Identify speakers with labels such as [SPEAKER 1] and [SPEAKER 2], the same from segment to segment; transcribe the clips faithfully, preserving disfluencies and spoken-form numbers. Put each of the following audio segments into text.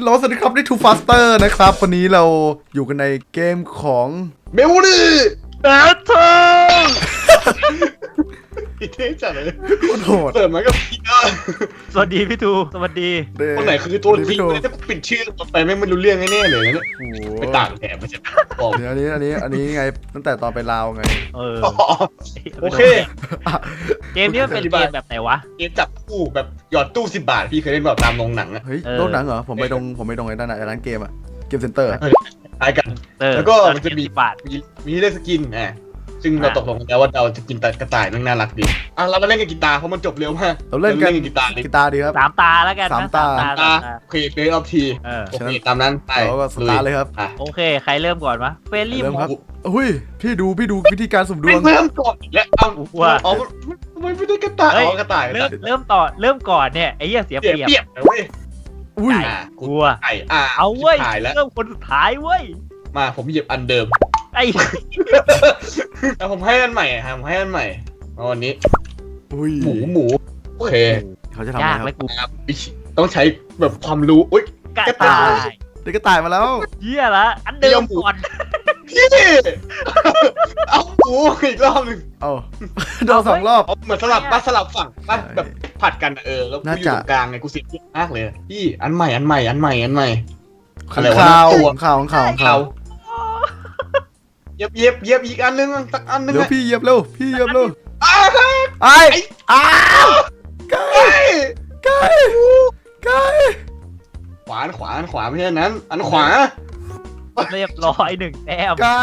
[SPEAKER 1] โหลสวัสดีครับนี่ Too Faster นะครับวันนี้เราอยู่กันในเกมของ
[SPEAKER 2] เมลลี่แบทเทิลพี่เท่จัดเลย
[SPEAKER 1] โคตรโหด
[SPEAKER 2] เปิดมาก็พี่เออ
[SPEAKER 3] สวัสดีพี่ทูสวัสดี
[SPEAKER 2] คนไหนคือตัวจริงเลยถ้าปิดชื่อต่อไปไม่รู้เรื่องแน่ๆเลยนะไปต่างแถบมาจากบอก
[SPEAKER 1] อันนี้อันนี้อันนี้ไงตั้งแต่ตอนไปลาวไง
[SPEAKER 3] เออ
[SPEAKER 2] โอเค
[SPEAKER 3] เกมนี้มันเป็นเกมแบบไหนวะ
[SPEAKER 2] เกมจับคู่แบบหยอดตู้สิบบาทพี่เคยเล่นแบบตามโรงหนังอะ
[SPEAKER 1] เฮ้ยโรงหนังเหรอผมไปตรงผมไปตรงไอ้นั่นน่ะร้านเกมอะเกมเซ็นเตอร์
[SPEAKER 2] ตายกันแล้วก็มันจะมีมีมีเล่นสกินอ่ะซึ่งเราตกลงกันแล้วว่าเราจะกินกระต่ายมันน่ารักดีอ่ะเรามาเล่นกันกีตาร์เพราะมันจบเร็วมาก
[SPEAKER 1] เราเล่นกันกีตาร์กีตาร์ดีครับ
[SPEAKER 3] สามตาแล้วกัน
[SPEAKER 1] สามตา
[SPEAKER 2] โอเคเฟรออฟทีโอเคตามนั้นไป
[SPEAKER 1] เราก็สตาร์เลยครับ
[SPEAKER 3] โอเคใครเริ่มก่อนวะเฟรลี่
[SPEAKER 1] ครับอุ้ยพี่ดูพี่ดูวิธีการสุ่มดวง
[SPEAKER 2] เริ่มก่อนแล้วเอาว่าอ๋อไม่ไม่ได้กระต่ายอ๋อกระต่าย
[SPEAKER 3] เริ่มเริ่มต่อเริ่มก่อนเนี่ยไอ้เหี้ยเสียเปรียบ
[SPEAKER 2] เปรียบเว้ย
[SPEAKER 1] อุ้ย
[SPEAKER 3] กลัว
[SPEAKER 2] ไก่อ่ะ
[SPEAKER 3] เอาเว้ยเริ่มคนสุดท้ายเว้ย
[SPEAKER 2] มาผมเหยียบอันเดิม
[SPEAKER 3] ไอ้
[SPEAKER 2] แต่ผมให้อันใหม่ฮะผมให้อันใหม่วันนี้หมูหมูโอเค
[SPEAKER 1] เขาจะทำอะไร
[SPEAKER 2] ครับต้องใช้แบบความรู้อุ้ย
[SPEAKER 3] กระต่าย
[SPEAKER 1] เด็กกระต่ายมาแล้ว
[SPEAKER 3] เหี้ยละอันเดิมก่อน
[SPEAKER 2] พี่เอาหมูอีกรอบนึง
[SPEAKER 1] เอาโดนสองรอบ
[SPEAKER 2] เหมือนสลับป้าสลับฝั่งป้าแบบผัดกันเออแล้วกูอยู่ตรงกลางไงกูเสียมากเลยพี่อันใหม่อันใหม่อันใหม่อันใหม่
[SPEAKER 1] ข่าวข่าวข่าวข่าวข่าว
[SPEAKER 2] เย็บเย็บเย็บอีกอันนึงสักอันนึง
[SPEAKER 1] เดี๋ยวพี่เย็บเร็วพี่เย็บเร็ว
[SPEAKER 2] อ้า
[SPEAKER 1] ไอ้อ้าวไก่ไก่ไก่
[SPEAKER 2] ขวานขวานขวาไม่ใช่นั้นอันขวา
[SPEAKER 3] เรียบร้อยหนึ่งแต้ม
[SPEAKER 1] ไก่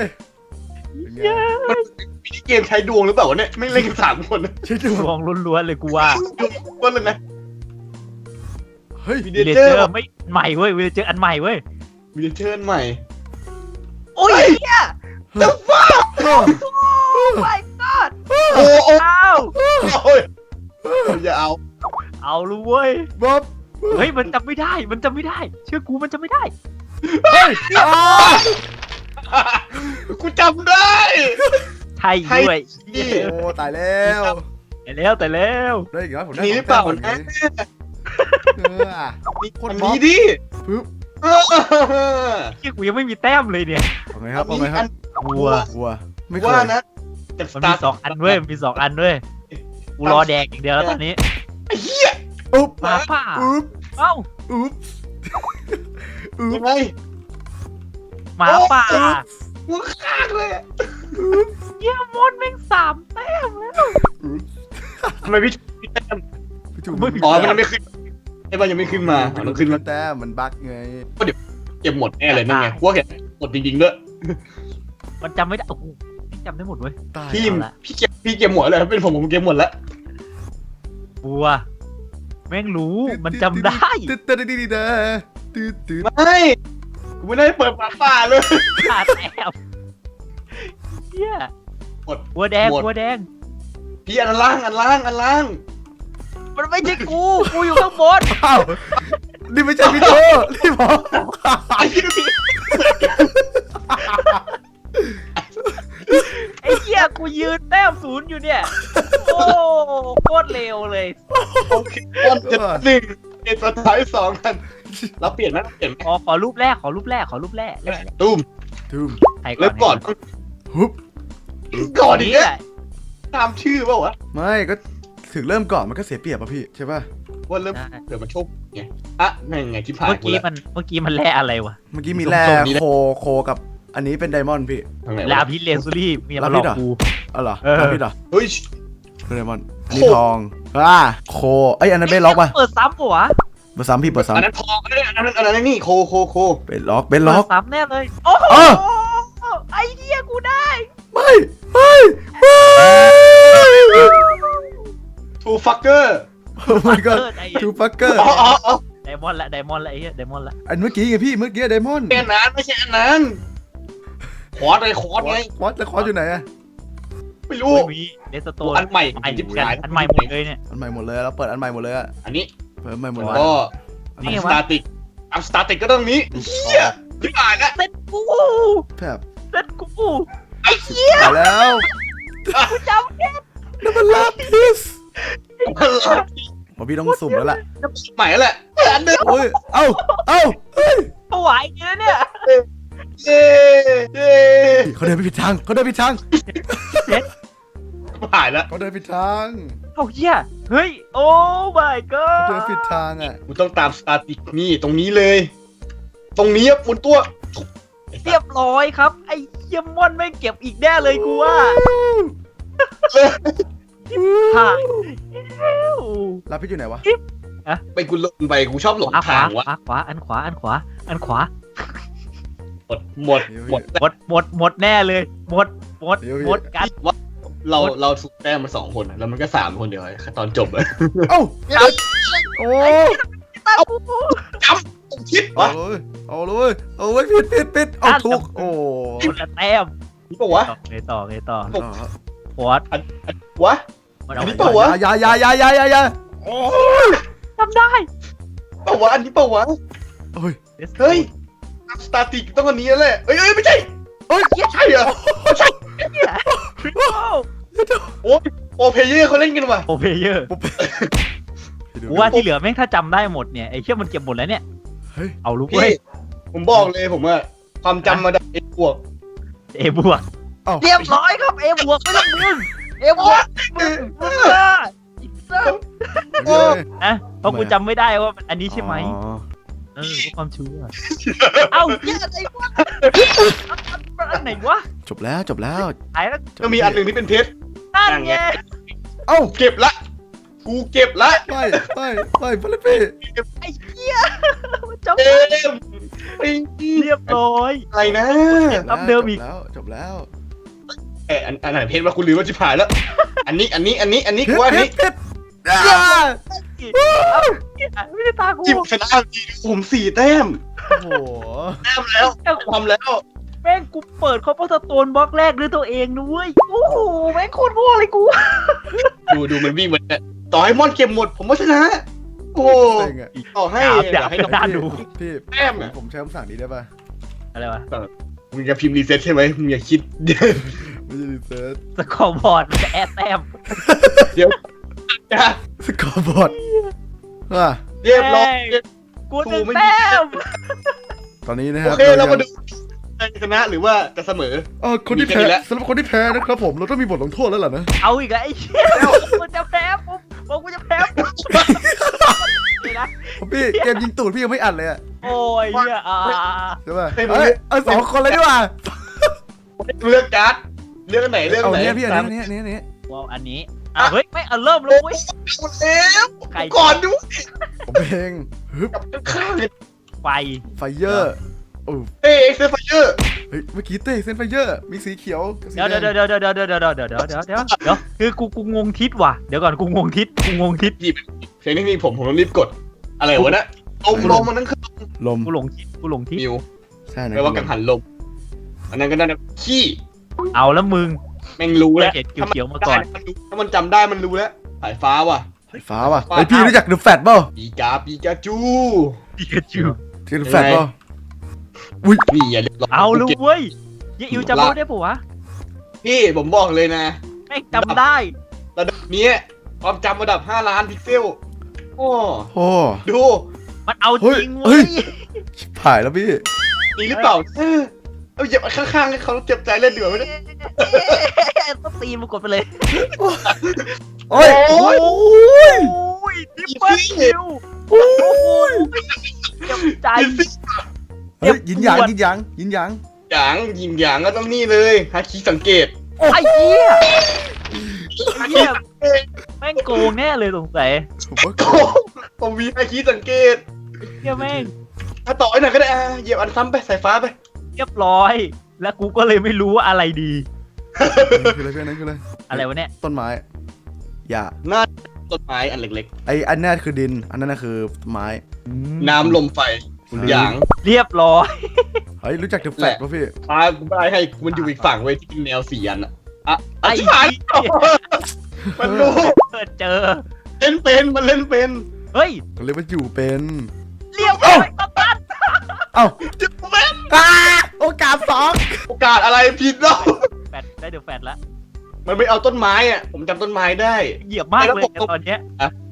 [SPEAKER 2] มันมีเกมใช้ดวงหรือเปล่าวะเนี่ยไม่เล่นกันสามคน
[SPEAKER 1] ใช้ด
[SPEAKER 3] วงล้วนๆเลยกูว่า
[SPEAKER 2] ล้วนเลยนะ
[SPEAKER 1] เฮ้ย
[SPEAKER 3] วิลเลเจอร์ไม่ใหม่เว้ยวิลเลเจอร์อันใหม่เว้ย
[SPEAKER 2] วิลเลเจอร์ใหม่
[SPEAKER 3] โอ้ยเนี่ย
[SPEAKER 2] เดอะฟ้า
[SPEAKER 3] โอ้ my god
[SPEAKER 2] โอ้โอ้
[SPEAKER 3] โอ้
[SPEAKER 2] ยอย่าเอา
[SPEAKER 3] เอาลูเว้ย
[SPEAKER 1] บ๊อบ
[SPEAKER 3] เฮ้ยมันจำไม่ได้มันจำไม่ได้เชื่อกูมันจำไม่ได้
[SPEAKER 1] เฮ้ย
[SPEAKER 2] กูจำได้
[SPEAKER 3] ไทยด้วย
[SPEAKER 1] โอ้ตายแล้ว
[SPEAKER 3] ตายแล้วตายแล้ว
[SPEAKER 1] ได้อีกแล้วผมได้
[SPEAKER 2] นี่หรือเปล่านะคนนี้ดิ
[SPEAKER 1] ปึ๊บ
[SPEAKER 3] เชื่อกูยังไม่มีแต้มเลยเนี่ย
[SPEAKER 1] เอาไงครับเอาไงครับ
[SPEAKER 3] วัว
[SPEAKER 1] วัวไม่
[SPEAKER 2] ว่านะ
[SPEAKER 3] แต่มันมีสองอันด้วยมีสองอันด้วยกูรอแดกอย่างเดียวแล้วตอนนี้
[SPEAKER 2] ไอ้เหี้ย
[SPEAKER 1] อุ๊บ
[SPEAKER 3] มาป่า
[SPEAKER 1] อุ๊บ
[SPEAKER 3] เอ้า
[SPEAKER 1] อุ๊บ
[SPEAKER 2] ยังไง
[SPEAKER 3] มาป่า
[SPEAKER 2] หัวขาดเลย
[SPEAKER 3] เยี่ยมดแม่งสามแต้มแล้ว
[SPEAKER 2] ทำไมพี่แต้มอ๋อมันไม่ขึ้นไอ้บ้านยังไม่ขึ้นมามันขึ้นมา
[SPEAKER 1] แต้มมันบั๊กไง
[SPEAKER 2] ก็เดี๋ยวเก็บหมดแน่เลยนั่นไงพวกแกหมดจริงๆด้วย
[SPEAKER 3] มันจำไม่ได้โอ้โหจำได้หมดเว้ย
[SPEAKER 2] พี่พี่เก็บพี่เก็บหมดเลยเป็นผมผมเก็บหมดแล้ว
[SPEAKER 3] บัวแม่งรู้มันจำได้
[SPEAKER 1] ตึ๊ดตึ๊ดตึ๊ดตึ๊ดตึ๊ด
[SPEAKER 2] ไม่กูไม่ได้เปิดปากป่าเลย
[SPEAKER 3] ขาดแอบเฮีย
[SPEAKER 2] หมด
[SPEAKER 3] บัวแดงบัวแดง
[SPEAKER 2] พี่อันล่างอันล่างอันล่าง
[SPEAKER 3] มันไม่ใช่กูกูอยู่ข้างบน
[SPEAKER 1] อ้าวนี่ไม่ใช่พี่โตนี่ผม
[SPEAKER 3] ไอ้เหี้ยกูยืนแต้มศูนย์อยู่เนี่ยโอ้โคตรเร็วเลย
[SPEAKER 2] โอเควันจะหนึ่งเอ็ดสุดท้ายสองกันเราเปลี่ยนไหมเปลี่ยน
[SPEAKER 3] ขอขอรูปแรกขอรูปแรกขอรูปแรก
[SPEAKER 2] ตุ้ม
[SPEAKER 1] ตุ้ม
[SPEAKER 2] เริ่มก่อน
[SPEAKER 1] ฮึบ
[SPEAKER 2] ก่อนนี้ตามชื่อเปล่าวะ
[SPEAKER 1] ไม่ก็ถึงเริ่มก่อนมันก็เสียเปรียบป่ะพี่ใช่ป่ะ
[SPEAKER 2] ว่าเริ่มเดี๋ยวมาชกไงอ่ะไงไงที่ผ่าน
[SPEAKER 3] เมื่อกี้มันเมื่อกี้มันแร่อะไรวะ
[SPEAKER 1] เมื่อกี้มีแร่โคโคกับอันนี้เป็นไดมอนด์พี่
[SPEAKER 3] ลาพิเลซูรี่มีอะไรหรอกู
[SPEAKER 1] อ๋อเหรอลาพิเหรอ
[SPEAKER 2] เฮ้ย
[SPEAKER 1] เป็นไดมอนด์อันนี้ทองอ่าโคไออันนั้นเบลล็อกป่ะ
[SPEAKER 3] เปิดซ้ำปะวะ
[SPEAKER 1] เปิดซ้ำพี่เปิดซ้ำ
[SPEAKER 2] อันนั้นทองอันนั้นอันนั้นอันนั้นนี่โคโคโค
[SPEAKER 1] เป็นล็อกเป็นล็อก
[SPEAKER 3] ซ้ำแน่เลยโอ้โหไอเดียกูได้
[SPEAKER 1] ไม่ไม่
[SPEAKER 2] ทูฟักเกอร์
[SPEAKER 1] โอ้ my god ทูฟักเกอร์
[SPEAKER 3] ไดมอนด์ละไดมอนด์ละไอ้เหี้ยไดมอนด์ละ
[SPEAKER 1] อันเมื่อกี้ไงพี่เมื่อกี้ไดมอนด์
[SPEAKER 2] เป็นนั้นไม่ใช่อันนั้นคอร์สเลยคอร์สไง
[SPEAKER 1] คอร์สแล้วคอร์สอยู่ไหนอะ
[SPEAKER 2] ไม่รู้
[SPEAKER 3] มีเดสโตน
[SPEAKER 2] อันใหม่
[SPEAKER 3] อันใหม่อันใหม่หมดเลยเนี่ย
[SPEAKER 1] อันใหม่หมดเลยแล้วเปิดอันใหม่หมดเลยอะ
[SPEAKER 2] อันนี้
[SPEAKER 1] เปิดใหม่หมดเลย
[SPEAKER 2] ก็นี่สตาร์ติกอัพสตาร์ติกก็ต้องนี้เฮียที่อ่านนะ
[SPEAKER 3] เซ็ตกู
[SPEAKER 1] แบบ
[SPEAKER 3] เซ็ตกู
[SPEAKER 2] ไอ้เฮีย
[SPEAKER 1] แล้ว
[SPEAKER 3] กูจำแค่
[SPEAKER 1] นั่นมันลาพิส
[SPEAKER 2] มันลาพิส
[SPEAKER 1] ผมพี่ต้องสุ่มแล้วแหละ
[SPEAKER 2] ใหม่แหละอันเดิม
[SPEAKER 1] โอ้ยเอ้าเอ้าเฮ้ย
[SPEAKER 3] ถวายอย่างนี้เนี่ย
[SPEAKER 2] เย้เย้
[SPEAKER 1] เขาเดินไปผิดทางเขาเดินผิดทาง
[SPEAKER 2] ผ่านแล้ว
[SPEAKER 1] เขาเดินผิดทาง
[SPEAKER 3] เอาเหี้ยเฮ้ยโอ้ my
[SPEAKER 1] เขาเดิน
[SPEAKER 3] god
[SPEAKER 1] ผิดทางอ่ะ
[SPEAKER 2] กูต้องตามสตาร์ติกนี่ตรงนี้เลย ตรงนี้หมุนตัว
[SPEAKER 3] เรียบร้อยครับไอ้เหี้ยมอนไม่เก็บอีกแน่เลยกูว่าผ่านแล้ว
[SPEAKER 1] ลาพิษอยู่ไหนวะ
[SPEAKER 2] ไปกูลงไปกูชอบหลง
[SPEAKER 3] ขวาข
[SPEAKER 2] ทาว
[SPEAKER 3] าง
[SPEAKER 2] วะ
[SPEAKER 3] ขวาขวาอันขวาอันขวาอันขวา
[SPEAKER 2] หมดหมดหมด
[SPEAKER 3] หมดหมดหมดแน่เลยหมดหมดหมดกัน
[SPEAKER 2] เราเราสุดแต้มมาสองคนอะแล้วมันก็สามคนเดียวไอ้ตอนจบเลย
[SPEAKER 1] เอ้าโอ้
[SPEAKER 3] ตาปูปู
[SPEAKER 2] คิด
[SPEAKER 1] เอา
[SPEAKER 2] วะ
[SPEAKER 1] เลยเอาเลยเอาเลยผิดผิดผิดเอาถูกโอ้
[SPEAKER 3] คนละแต้ม
[SPEAKER 2] นี่ปะวะ
[SPEAKER 3] ไงต่อไงต่อ
[SPEAKER 1] อ๋อ
[SPEAKER 3] ฟอร์ด
[SPEAKER 2] อันอันวะ
[SPEAKER 3] มัน
[SPEAKER 2] อั
[SPEAKER 3] เอา
[SPEAKER 2] นนี้
[SPEAKER 3] ไป
[SPEAKER 2] ปะวะ
[SPEAKER 1] อย่าอย่าอย่าอย่าอย่าอย่าโอ้ย
[SPEAKER 3] ทำได้
[SPEAKER 2] ปะวะอันนี้ปะวะ
[SPEAKER 1] โอ้ย
[SPEAKER 2] เฮ้ยสตาร์ติกต้องอันนี้แล้วแหละเอ้ยเอ้ยไม่ใช่
[SPEAKER 1] เอ้ย
[SPEAKER 2] ใช่เหรอใช่
[SPEAKER 3] โอ้
[SPEAKER 2] โอเพเยอร์เขาเล่นกันว่ะ
[SPEAKER 3] โอเพเยอร์กูว่าที่เหลือแม่งถ้าจำได้หมดเนี่ยไอ้เชี่ยมันเก็บหมดแล้วเนี่ย
[SPEAKER 1] เฮ้ย
[SPEAKER 3] เอาลูก
[SPEAKER 2] พี่
[SPEAKER 3] เว้ย
[SPEAKER 2] ผมบอกเลยผมว่าความจำมาได้เอ็กบวก
[SPEAKER 3] เอบวก
[SPEAKER 1] เอ้า
[SPEAKER 3] เรียบร้อยครับเอบวกไม่ต้องมึงเอบวกมึงมึงอ่ะอีกสัก
[SPEAKER 1] เฮ้ย
[SPEAKER 3] นะเพราะกูจำไม่ได้ว่าอันนี้ใช่ไหม
[SPEAKER 1] อ๋อ
[SPEAKER 3] เออเพื่อความชัวร์เอ้าเหี้ยอะไรวะอันไหนวะ
[SPEAKER 1] จบแล้วจบแล้ว
[SPEAKER 3] หายแล้ว
[SPEAKER 2] ก็มีอันหนึ่งที่เป็นเพชร
[SPEAKER 3] นั่นไง
[SPEAKER 1] เอ้า
[SPEAKER 2] เก็บละกูเก็บละ
[SPEAKER 1] ไปไปไปไปเลยพี่
[SPEAKER 3] ไอ้เหี้ยมันจำ
[SPEAKER 2] เอ็
[SPEAKER 3] ได้
[SPEAKER 2] มไอ้
[SPEAKER 3] เรียบร้อย
[SPEAKER 2] อะไรนะ
[SPEAKER 3] รับเดิมอีก
[SPEAKER 1] จบแล้วจบแล้ว
[SPEAKER 2] เอออันอันไหนเพชรมาคุณลืมว่าจิบหายแล้ว อันนี้อันนี้อันนี้อันนี้
[SPEAKER 1] ผิ
[SPEAKER 2] กู
[SPEAKER 1] ด
[SPEAKER 2] ว่าอัน
[SPEAKER 1] ผิ
[SPEAKER 2] นี้
[SPEAKER 1] ดผิดอ่า
[SPEAKER 3] เอ้าไม่ได้ตากู
[SPEAKER 2] จิบชนะดีผมสี่แต้ม
[SPEAKER 1] โอ้โห
[SPEAKER 2] แต้มแล้วทำแล้ว
[SPEAKER 3] แม่งกูเปิดคอมเพสโตนบล็อกแรกด้วยตัวเองนะเว้ยโอ้โหแม่งโคตรโง่เลยกู
[SPEAKER 2] ดูดูมันวิ่งมันเนี่ยต่อให้มอนเก็บหมด ผมก็ชนะ โอ้
[SPEAKER 1] เซ็งอะ
[SPEAKER 2] ต่อให้
[SPEAKER 3] ดาบ
[SPEAKER 2] ให้
[SPEAKER 3] ดาบ น่าดู
[SPEAKER 1] พี่
[SPEAKER 2] แต้ม
[SPEAKER 1] ผม
[SPEAKER 2] อะ
[SPEAKER 1] ผมใช้คำสั่งนี้ได้ป่ะ
[SPEAKER 3] อะไรวะ
[SPEAKER 2] มึงจะพิมพ์รีเซ็ตใช่ไหมมึงอย่าคิด
[SPEAKER 1] ไม่ใช่รีเซิร์ช
[SPEAKER 3] สกอร์บอร์ดมันจะแอดแต้ม
[SPEAKER 2] นะ
[SPEAKER 1] สกอร์บอร์ดว่า
[SPEAKER 2] เรียบร้อย
[SPEAKER 3] กูหนึ่งแต้ม
[SPEAKER 1] ตอนนี้นะค
[SPEAKER 2] โอ
[SPEAKER 1] รับ
[SPEAKER 2] เคเรามาดูชนะหรือว่าจะเสมอ
[SPEAKER 1] เออคนที่
[SPEAKER 2] มีแค่
[SPEAKER 1] แพ้
[SPEAKER 2] นี้แหละ
[SPEAKER 1] สำหรับคนที่แพ้นะครับผมเราต้องมีบทลงโทษแล้วล่ะนะ
[SPEAKER 3] เอาอีกแล้วไอ้เหี้ยกูจะแพ้ปุ๊บบอกกูจะแพ้ปุ๊บเลยนะ
[SPEAKER 1] พี่เกมยิงตูดพี่ยังไม่อัดเลยอะ
[SPEAKER 3] โอ้ยเหี้ยอ่า
[SPEAKER 1] ใช่ป่ะเอ้ยเอาสองคนเลยดีกว่า
[SPEAKER 2] เลือกการ์ดเลือกอันไหนเลือกอั
[SPEAKER 1] เอา
[SPEAKER 2] นไหน
[SPEAKER 1] เนี้ยพี่อันนี้อันนี้อันนี้
[SPEAKER 3] ว้าวอันนี้อ่ะเฮ้ยไม่เอาเริ่มแล้วเว้ย
[SPEAKER 2] หมดแล้ว
[SPEAKER 3] ใคร
[SPEAKER 2] ก่อนดู
[SPEAKER 1] ผมเพลงฮึบ
[SPEAKER 2] กับข้างเลย
[SPEAKER 3] ไฟ
[SPEAKER 1] ไฟเยอร์โอ้
[SPEAKER 2] เอ้ยเอ็กซ์ไฟเยอร์
[SPEAKER 1] เฮ้ยเมื่อกี้เต้เส้นไฟเยอร์มีสีเขียวกับสี
[SPEAKER 3] เดี๋ยว
[SPEAKER 1] แด
[SPEAKER 3] เดี๋ยว
[SPEAKER 1] ง
[SPEAKER 3] เดี๋ยวเดี๋ยวเดี๋ยวเดี๋ยวเดี๋ยวเดี๋ยวเดี๋ยวเดี๋ยวเดี๋ยวคือกูกูงงทิศว่ะเดี๋ยวก่อนกูงงทิศกูงงทิศ
[SPEAKER 2] เพลงนี้มีผมผมต้องรีบกด อะไรวะนะลมลมมันนั่นคือ
[SPEAKER 1] ลม
[SPEAKER 3] กูหลงทิศกูหลงทิศ
[SPEAKER 2] มิว
[SPEAKER 1] ใช่นะ
[SPEAKER 2] แปลว่ากังหันลม อันนั้นก็ได้นะขี้
[SPEAKER 3] เอาแล้วมึง
[SPEAKER 2] แม่งรู้แล้ว
[SPEAKER 3] เห็นเขียวๆมาก่อน
[SPEAKER 2] ถ้ามันจำได้มันรู้แล้วสายฟ้าว่ะ
[SPEAKER 1] ไฟฟ้าว่ะไอพี่รู้จักเดอะแฟตเปล่า
[SPEAKER 2] ปีกาปีกาจู
[SPEAKER 3] ปิกาจู
[SPEAKER 1] ที่เดอะแฟตเปล่าอุ้ย
[SPEAKER 2] นี่อย่าเรียกร้ง
[SPEAKER 3] เอาลูกเว้ยยี่อิวจำได้ปะวะ
[SPEAKER 2] พี่ผมบอกเลยนะ
[SPEAKER 3] แม่งจำได้
[SPEAKER 2] ระดับนี้ความจำระดับห้าล้านพิกเซล โอ้
[SPEAKER 1] โอ้
[SPEAKER 2] ดู
[SPEAKER 3] มันเอาจริง
[SPEAKER 1] เฮ้
[SPEAKER 3] เว้
[SPEAKER 1] ย
[SPEAKER 3] ย
[SPEAKER 1] ชิบหายแล้วพี่
[SPEAKER 2] มีหรือเปล่าเออเอาเหยียบข้างๆให้เขาเจ็บใจเล่นดีกว่าไหมเนี่ย
[SPEAKER 3] ต้องตีมันกดไปเลย
[SPEAKER 1] โอ้ย
[SPEAKER 2] โอ้ย
[SPEAKER 1] โอ้ย
[SPEAKER 3] โอ้ยดิปเปิลคิวโอ้ยเจ็บใจ
[SPEAKER 1] เฮ้ยยินหยางยินหยางยินหยาง
[SPEAKER 2] หยางยิงหยางก็ต้องนี่เลยฮาคิสังเกต
[SPEAKER 3] ไอ้เหี้ยไอ้เหี้ยแม่งโกงแน่เลยสงสัย
[SPEAKER 1] ผมว่า
[SPEAKER 2] โอ้ผมมีฮาคิสังเกต
[SPEAKER 3] เหี้ยแม่ง
[SPEAKER 2] ถ้าต่อไอ้หน่อยก็ได้อ่ะเหยียบอันซ้ำไปสายฟ้าไป
[SPEAKER 3] เรียบร้อย แล้วกูก็เลยไม่รู้ว่าอะไรดี
[SPEAKER 1] คืออะไรเพื่อนนั่นคืออะไร
[SPEAKER 3] อะไรวะเนี่ย
[SPEAKER 1] ต้นไม้อย่า
[SPEAKER 2] หน้าต้นไม้อันเล็ก
[SPEAKER 1] ไออันนั้นคือดิน อันนั้นน่ะคือไม้
[SPEAKER 2] ๆ น้ำลมไฟหยาง
[SPEAKER 3] เรียบร้อย
[SPEAKER 1] เฮ้ยรู้จักเดอะแฟตป่ะพี่
[SPEAKER 2] อ่ากูไม่ได้ให้มันอยู่อีกฝั่งเว้ยที่เป็นแนวสี่อันอะอ่ะอ่ะ
[SPEAKER 3] ไอ้
[SPEAKER 2] ชิบหายมันรู้
[SPEAKER 3] เปิดเจอ
[SPEAKER 2] เล่นเป็นมันเล่นเป็น
[SPEAKER 3] เฮ้ย
[SPEAKER 1] เขาเรียกว่าอยู่เป็น
[SPEAKER 3] เรียบร้อยตัดตัด
[SPEAKER 1] เอ้า
[SPEAKER 2] จิบแม่ง
[SPEAKER 1] อ่าโอกาสสอง
[SPEAKER 2] โอกาสอะไรผิดแล้ว
[SPEAKER 3] แฟดได้เดี๋ยวแฟดละ
[SPEAKER 2] มันไม่เอาต้นไม้อ่ะผมจำต้นไม้ได้
[SPEAKER 3] เหยียบมากเลยตอนเนี้ย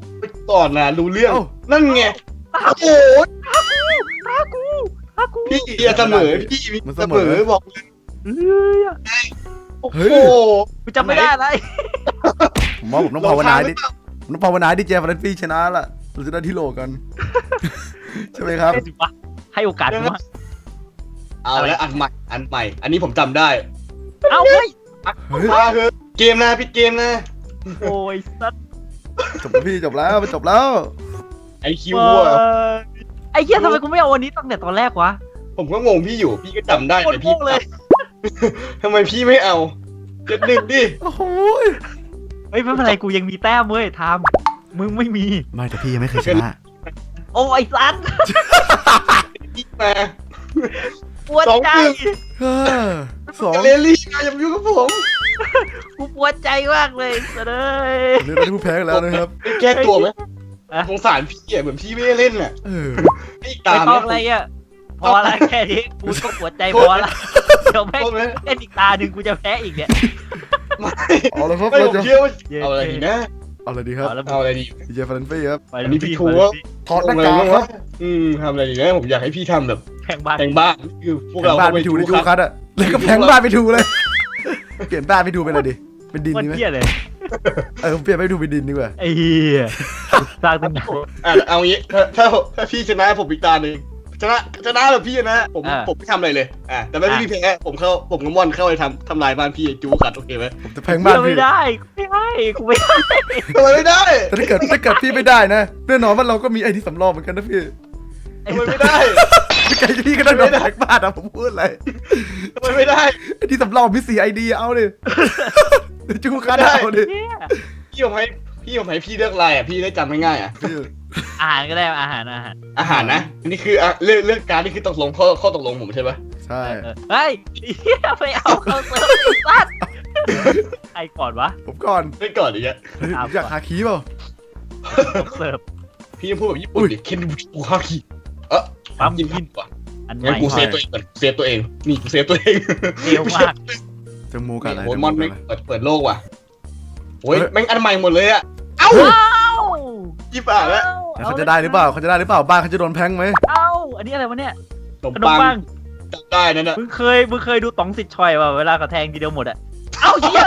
[SPEAKER 2] ก่อนนะรู้เรื่อง
[SPEAKER 1] เอ้า
[SPEAKER 2] นั่นไง
[SPEAKER 3] ตา
[SPEAKER 2] โอ้
[SPEAKER 3] กู
[SPEAKER 2] โห
[SPEAKER 3] ตากูตากู
[SPEAKER 2] พี่อย่าเสมอพี่มี
[SPEAKER 1] มัน
[SPEAKER 2] เส
[SPEAKER 1] เส
[SPEAKER 2] ม
[SPEAKER 1] ม
[SPEAKER 2] อ
[SPEAKER 1] อ
[SPEAKER 2] บอก
[SPEAKER 3] เฮ้ย
[SPEAKER 2] โอ้
[SPEAKER 1] เฮ้
[SPEAKER 2] โห
[SPEAKER 1] ย
[SPEAKER 3] กูจำไม่ได้อะไร
[SPEAKER 1] ผมว่าผมต้องภาวนาดิผมต้องภาวนาดิเจฟาเลนฟี่ชนะละเราจะได้ที่โหลกัน ใช่ไหมครับ
[SPEAKER 3] ให้สิวะให้โอกาสกูมา
[SPEAKER 2] เอาแล้วอันใหม่อันใหม่ อันนี้ผมจำได้
[SPEAKER 3] เอ้าเฮ้ย
[SPEAKER 1] เฮ้ย
[SPEAKER 2] มาเถอะเกมนะพี่เกมนะ
[SPEAKER 3] โอ้ยสัตว์
[SPEAKER 1] จบแล้วพี่จบแล้วมันจบแล้ว
[SPEAKER 2] ไอคิวอะ
[SPEAKER 3] ไอ้เหี้ยทำไมกูไม่เอาวันนี้ตั้งแต่ตอนแรกวะ
[SPEAKER 2] ผมก็งงพี่อยู่พี่ก็จำได้
[SPEAKER 3] โคตร
[SPEAKER 2] แต่พี่
[SPEAKER 3] โง่เลย
[SPEAKER 2] ทำไมพี่ไม่เอาเจ็ดหนึ่งดิ
[SPEAKER 1] โอ้โห
[SPEAKER 3] เฮ้ยไม่เป็นไรกูยังมีแต้มเว้ยทามมึงไม่มี
[SPEAKER 1] ไม่แต่พี่ยังไม่เคยชนะ
[SPEAKER 3] โอ้ยสัตว์
[SPEAKER 2] พี่มา
[SPEAKER 3] ปวดใจ
[SPEAKER 1] เฮ้อสอง
[SPEAKER 2] เลลี่มาอย่ามายุ่งกับผม
[SPEAKER 3] กูปวดใจมากเลยสัตว์เอ้ย
[SPEAKER 1] เรื่องที่ผู้แพ้กันแล้วนะครับ
[SPEAKER 2] แก้ตัวไหม
[SPEAKER 3] อะ
[SPEAKER 2] สงสารพี่อะเหมือนพี่ไม่ได้เล่นอ่ะ
[SPEAKER 1] เออ
[SPEAKER 2] พี่
[SPEAKER 3] ไม่
[SPEAKER 2] ตาม
[SPEAKER 3] ต้องอะไรอ่ะพอละแค่นี้กูก็ปวดใจพอละเดี๋ยวแม่ง
[SPEAKER 2] โทษไหม
[SPEAKER 3] เล่นอีกตาหนึ่งกูจะแพ้อีกเนี่ย
[SPEAKER 2] ไม่
[SPEAKER 1] เอาละครับ
[SPEAKER 2] ไม่
[SPEAKER 1] เรา
[SPEAKER 2] ผม
[SPEAKER 1] จะ
[SPEAKER 2] เชื่อว่าเอาอะไรดีนะ
[SPEAKER 1] เอาอะไรดีครับ
[SPEAKER 3] เอาแล้ว
[SPEAKER 2] เอาอะไรดี
[SPEAKER 1] ดีเจฟาเลนฟี่ครับ
[SPEAKER 3] ไป
[SPEAKER 2] อันนี้พี่
[SPEAKER 3] พี่
[SPEAKER 2] ทู
[SPEAKER 3] ไป
[SPEAKER 2] ว่า
[SPEAKER 3] พี่
[SPEAKER 1] ถอดหน้ากากครับ
[SPEAKER 2] อืมทำอะไรดีนะผมอยากให้พี่ทำแบบ
[SPEAKER 3] แข่งบ้าน
[SPEAKER 2] แต่งบ้านคือพวก
[SPEAKER 1] แผง
[SPEAKER 2] เรา
[SPEAKER 1] บ้าน
[SPEAKER 2] เข้า
[SPEAKER 1] ไป
[SPEAKER 2] ไป
[SPEAKER 1] ถู
[SPEAKER 2] ดู
[SPEAKER 1] ในยู
[SPEAKER 2] ครับ
[SPEAKER 1] คัทอะแล้วก็แผงบ้านไปถูเลย เปลี่ยนบ้านไปถูเป็นอะไรดีเป็นดิน
[SPEAKER 3] มัน
[SPEAKER 1] ดีไหม
[SPEAKER 3] เหี้ยเลย
[SPEAKER 1] เออผมเปลี่ยนไปถูเป็นดินดีกว่า
[SPEAKER 3] ไอ้เหี้ยสร้างตั้งนาน
[SPEAKER 2] อ่ะเอางี้ถ้าถ้าถ้าพี่ชนะผมอีกตาหนึ่งชนะชนะแบบพี่ชนะผมผมไม่ทำอะไรเลยอ่ะแต่ไม่พี่แพ้ผมเข้าผมกับม่อนเข้าไปทำทำลายบ้านพี่จูขัดโอเคไหม
[SPEAKER 1] ผมจะแผงบ้าน
[SPEAKER 3] กู
[SPEAKER 1] พี่
[SPEAKER 3] ไม่ได้กูไม่ให้กูไม่ให้
[SPEAKER 2] ทำไมไม่ได้
[SPEAKER 1] แต่ถ้าเกิดถ้าเกิดพี่ไม่ได้นะแน่นอนว่าเราก็มีไอ้ที่สำรองเหมือนกันนะพี่
[SPEAKER 2] ทำไมไม่ได้
[SPEAKER 1] ไอ้พี่ก็ต้องโดนแผงบ้านอะผมพูดอะไร
[SPEAKER 2] ทำไมไม่ได้
[SPEAKER 1] ไอ้ที่สำรองมีสี่ไอเดียเอาดิจูคัทเอาดิ
[SPEAKER 3] เหี้ย
[SPEAKER 2] พี่ผมให้พี่ผมให้พี่เลือกอะไรอ่ะพี่ได้จำง่ายๆอ่ะ
[SPEAKER 1] พี่
[SPEAKER 3] อาหารก็ได้อาหารอาหาร
[SPEAKER 2] อาหารนะอันนี้คืออ่ะเรื่องเรื่องการนี่คือตกลงข้อข้อตกลงผมใช่ปะ
[SPEAKER 1] ใช่
[SPEAKER 3] เออเฮ้ยเหี้ยไปเอาเขาเซิร์ฟไอ้สัตว์ใครก่อนวะ
[SPEAKER 1] ผมก่อน
[SPEAKER 2] ไม่ก่อนอีกอ่ะ
[SPEAKER 1] เฮ้ยอยากหาคีย์เปล่า
[SPEAKER 3] ต้องเสิร์ฟ
[SPEAKER 2] พี่ยังพูดแบบญี่ปุ่นดิเคนบูฮากิเออ
[SPEAKER 3] ปั๊ม
[SPEAKER 2] กิ
[SPEAKER 3] กิ
[SPEAKER 2] น
[SPEAKER 3] น
[SPEAKER 2] ผักกว่า
[SPEAKER 3] อันให
[SPEAKER 2] งั้น
[SPEAKER 3] ม่
[SPEAKER 2] กูเซฟตัวเองก่อนเซฟตัวเองนี่กูเซฟตัวเอง
[SPEAKER 3] เร็วมาก
[SPEAKER 1] จะมูกันอะไร
[SPEAKER 2] โอ้ย
[SPEAKER 1] จะ
[SPEAKER 2] มอน
[SPEAKER 1] กั
[SPEAKER 2] ไม่
[SPEAKER 1] อะไร
[SPEAKER 2] เปิดเปิดโลกว่ะโอ้ย
[SPEAKER 1] เฮ้ย
[SPEAKER 2] แม่งอันใหม่หมดเลยอ่ะเอ้า
[SPEAKER 3] เอ้า
[SPEAKER 2] ยี่ป่าแล้ว
[SPEAKER 1] แล้วเขาจะได้หรือเปล่าเขาจะได้หรือเปล่าบ้านเขาจะโดนแพงไหม
[SPEAKER 3] เอ้าอันนี้อะไรวะเนี่ย
[SPEAKER 2] ขนม
[SPEAKER 3] ขนม
[SPEAKER 2] ปัง
[SPEAKER 3] ปัง
[SPEAKER 2] จำได้นั่นน่ะ
[SPEAKER 3] มึงเคยมึงเคยดูต๋องสิทธิ์ชอยป่ะเวลากระแทงทีเดียวหมดอะเอ้าเหี้ย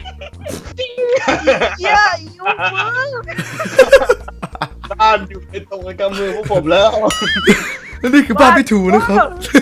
[SPEAKER 3] เหี้ยยุ่งมึง
[SPEAKER 2] บ้านอยู่ในตรงกำมือพวกผมแล้ว
[SPEAKER 1] แล้วนี่คือบ้านพี่ถูนะครับ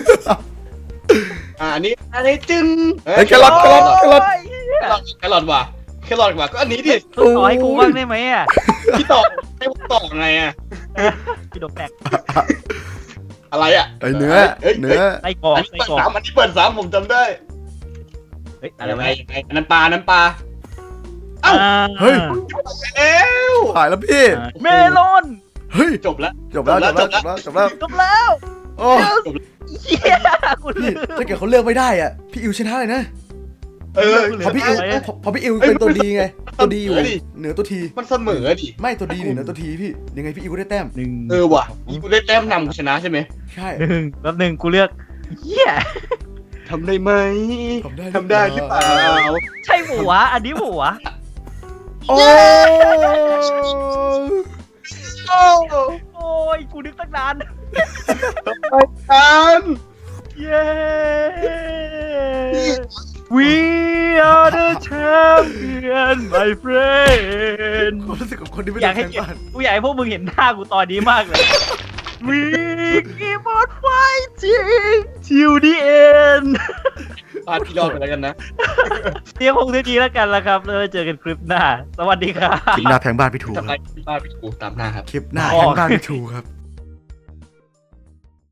[SPEAKER 2] อ่าอันนี้อันนี้จึง
[SPEAKER 1] เฮ้ยแครอทแครอทแครอท
[SPEAKER 2] แครอทแครอทว่ะแครอทว่ะก็อันนี้ดิ
[SPEAKER 3] ต้องต่อให้กูบ้างได้ไหมอะ
[SPEAKER 2] พี่ต่อให้ผมต่อไงอ่ะ
[SPEAKER 3] พี่ดกแตก
[SPEAKER 2] อะไรอ่ะ
[SPEAKER 1] ไอเนื้อ
[SPEAKER 2] เอ้ย
[SPEAKER 1] เนื้อ
[SPEAKER 3] ไส้กรอก
[SPEAKER 2] อันนี้
[SPEAKER 3] ไส้
[SPEAKER 2] เปิด
[SPEAKER 3] กรอก
[SPEAKER 2] สามอันนี้เปิดสามผมจำได้
[SPEAKER 3] เฮ้ยอะ
[SPEAKER 2] อะไร ไร
[SPEAKER 3] วะ
[SPEAKER 2] ไง
[SPEAKER 3] เนี่ย
[SPEAKER 2] อันนั้นปลาอันนั้นปลา เอ้า
[SPEAKER 3] อ่า
[SPEAKER 1] เฮ้ย
[SPEAKER 2] แล้ว
[SPEAKER 1] ถ่ายแล้วพี่
[SPEAKER 3] เมลอน
[SPEAKER 1] เฮ้ย
[SPEAKER 2] จบแล้ว
[SPEAKER 1] จบแล้วจบแล้วจบแล้วจบแล้ว
[SPEAKER 3] จบแล้ว
[SPEAKER 1] โอ้
[SPEAKER 3] เหี้ยกู
[SPEAKER 1] พี่
[SPEAKER 3] ลืม
[SPEAKER 1] ถ้าเกิดเขาเลือกไม่ได้อ่ะพี่อิวชนะเลยนะ
[SPEAKER 2] เออ
[SPEAKER 1] เพราะพี่อิว
[SPEAKER 3] เอ้ย
[SPEAKER 1] เพราะเพราะพี่อิวเป็นตัวดีไงตัวดีอยู่
[SPEAKER 2] เอ้ย
[SPEAKER 1] เหนือตัวที
[SPEAKER 2] มันเสมอดิ
[SPEAKER 1] ไม่ตัวดีเหนือตัวทีพี่ยังไงพี่อิวก็ได้แต้ม
[SPEAKER 3] หนึ่ง
[SPEAKER 2] เออว่ะอีกูได้แต้มนำกูชนะใช่ไหม
[SPEAKER 1] ใช่
[SPEAKER 3] หนึ่งแป๊บหนึ่งกูเลือกเหี้ย
[SPEAKER 2] ทำได้ไหม
[SPEAKER 1] ทำได้
[SPEAKER 2] ทำได้หรือเปล่า
[SPEAKER 3] ใช่หัวะอันนี้หัวะ
[SPEAKER 1] โอ้
[SPEAKER 2] โอ้
[SPEAKER 3] โอ้ยกูนึกตั้งนาน
[SPEAKER 2] ทัน
[SPEAKER 3] เย้ We are the champion my friend
[SPEAKER 1] ความรู้สึกของคนที่ไม่
[SPEAKER 3] อ
[SPEAKER 1] ได้
[SPEAKER 3] ยากให้
[SPEAKER 1] แข่ง
[SPEAKER 3] เห็น
[SPEAKER 1] บ้าน
[SPEAKER 3] กูอยากให้พวกมึงเห็นหน้ากูตอนนี้มากเลย We keep on fighting till the end
[SPEAKER 2] พาพี่รอดไปแล้วกันนะ
[SPEAKER 3] เรียกคงดีแล้วกันละครับแล้วเจอกันคลิปหน้า สวัสดีครับ
[SPEAKER 1] คลิปหน้าแพงบ้านพี่ถู
[SPEAKER 2] ทำ
[SPEAKER 1] ค
[SPEAKER 2] ไม
[SPEAKER 1] รับ
[SPEAKER 2] บ้านพี่กูตามหน้าครับ
[SPEAKER 1] คลิปหน้าแพงบ้านพี่ถูครับ